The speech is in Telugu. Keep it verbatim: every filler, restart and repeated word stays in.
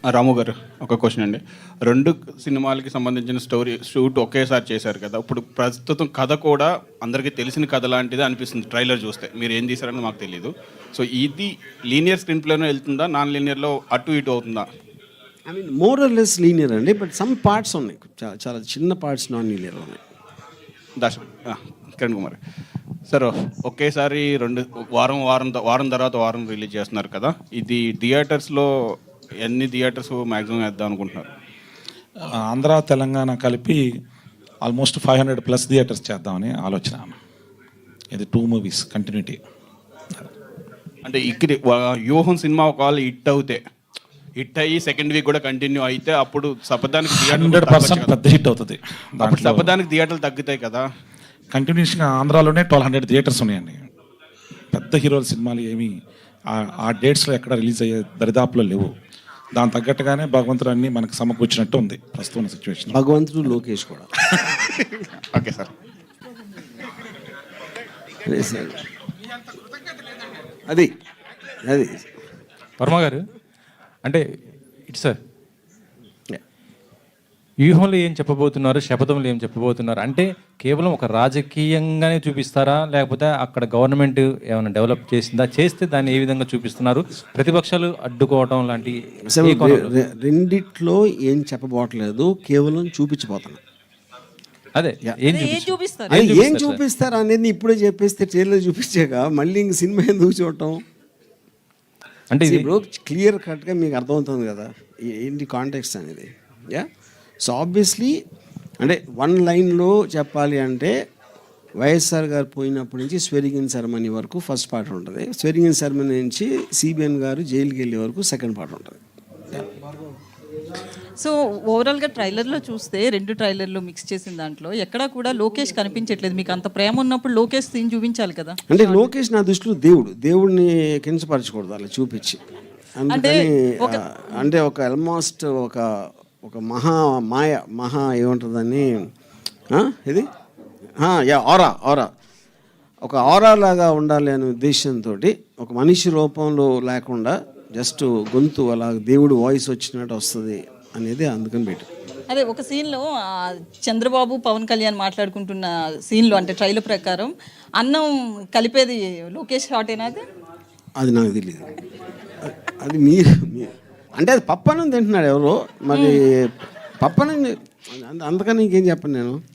రాము గారు ఒక క్వశ్చన్ అండి. రెండు సినిమాలకి సంబంధించిన స్టోరీ షూట్ ఒకేసారి చేశారు కదా. ఇప్పుడు ప్రస్తుతం కథ కూడా అందరికీ తెలిసిన కథ లాంటిదే అనిపిస్తుంది ట్రైలర్ చూస్తే. మీరు ఏం తీశారని మాకు తెలియదు. సో ఇది లీనియర్ స్క్రీన్ ప్లేలో వెళ్తుందా, నాన్ లీనియర్లో అటు ఇటు అవుతుందా? I mean more or less linear అండి, బట్ సమ్ పార్ట్స్ ఉన్నాయి, చాలా చాలా చిన్న పార్ట్స్ నాన్ లీనియర్ ఉన్నాయి. దశ కిరణ్ కుమార్ సార్, ఒకేసారి రెండు వారం వారం వారం తర్వాత వారం రిలీజ్ చేస్తున్నారు కదా. ఇది థియేటర్స్లో ఎన్ని థియేటర్స్ మ్యాక్సిమం వేద్దాం అనుకుంటున్నారు? ఆంధ్ర తెలంగాణ కలిపి almost five hundred plus theatres చేద్దామని ఆలోచన. ఇది టూ మూవీస్ కంటిన్యూటీ. అంటే ఇక్కడ వ్యూహం సినిమా ఒకవేళ హిట్ అవుతే, హిట్ అయ్యి సెకండ్ వీక్ కూడా కంటిన్యూ అయితే అప్పుడు సపదానికి హండ్రెడ్ పర్సెంట్ పెద్ద హిట్ అవుతుంది. అప్పుడు సపదానికి థియేటర్లు తగ్గుతాయి కదా. కంటిన్యూషన్గా ఆంధ్రాలోనే ట్వెల్వ్ హండ్రెడ్ థియేటర్స్ ఉన్నాయండి. పెద్ద హీరోల సినిమాలు ఏమి ఆ డేట్స్లో ఎక్కడ రిలీజ్ అయ్యే దరిదాపులో లేవు. దాని తగ్గట్టుగానే భగవంతుడు అన్ని మనకు సమకూర్చినట్టు ఉంది ప్రస్తుతం సిచ్యువేషన్. భగవంతుడు లోకేష్ కూడా. Okay sir. అది అది వర్మ గారు, అంటే ఇటు సార్ వ్యూహంలో ఏం చెప్పబోతున్నారు, శపథంలో ఏం చెప్పబోతున్నారు అంటే కేవలం ఒక రాజకీయంగానే చూపిస్తారా, లేకపోతే అక్కడ గవర్నమెంట్ ఏమైనా డెవలప్ చేసిందా, చేస్తే దాన్ని ఏ విధంగా చూపిస్తున్నారు, ప్రతిపక్షాలు అడ్డుకోవటం లాంటి? రెండిట్లో ఏం చెప్పబోట్లేదు, కేవలం చూపించబోతున్నా. అదే ఏం చూపిస్తారు ఏం చూపిస్తారు అనేది ఇప్పుడే చెప్పేస్తే ట్రైలర్ చూపించాక మళ్ళీ ఇంక సినిమా ఎందుకు చూడటం అంటే ఇప్పుడు క్లియర్ కట్గా మీకు అర్థమవుతుంది కదా ఏంటి కాంటెక్స్ట్ అనేది. యా, సో ఆబ్వియస్లీ అంటే వన్ లైన్లో చెప్పాలి అంటే వైఎస్ఆర్ గారు పోయినప్పటి నుంచి స్వెరిగిన్ సెరమనీ వరకు ఫస్ట్ పార్ట్ ఉంటుంది. స్వెరిగిన్ సెరమనీ నుంచి సిబిఎన్ గారు జైలుకి వెళ్ళే వరకు సెకండ్ పార్ట్ ఉంటుంది. సో ఓవరాల్గా ట్రైలర్లో చూస్తే రెండు ట్రైలర్లు మిక్స్ చేసిన దాంట్లో ఎక్కడా కూడా లోకేష్ కనిపించట్లేదు. మీకు అంత ప్రేమ ఉన్నప్పుడు లోకేష్ సీన్ చూపించాలి కదా. అంటే లోకేష్ నా దృష్టిలో దేవుడు, దేవుడిని కించపరచకూడదు అలా చూపించి. అందుకని అంటే ఒక ఆల్మోస్ట్ ఒక ఒక మహా మాయ మహా ఏముంటుందని ఇది యా ఆరా ఆరా ఒక ఆరా లాగా ఉండాలి అనే ఉద్దేశంతో ఒక మనిషి రూపంలో లేకుండా జస్ట్ గొంతు అలా దేవుడు వాయిస్ వచ్చినట్టు వస్తుంది అనేది అందుకని పెట్టు. అదే ఒక సీన్లో చంద్రబాబు పవన్ కళ్యాణ్ మాట్లాడుకుంటున్న సీన్లో అంటే ట్రైలర్ ప్రకారం అన్నం కలిపేది లోకేష్ షాటేనా? అది అది నాకు తెలియదు. అది మీరు అంటే అది పప్పన్నం తింటున్నాడు ఎవరో మరి. పప్పన్నం అందుకని ఇంకేం చెప్పను నేను.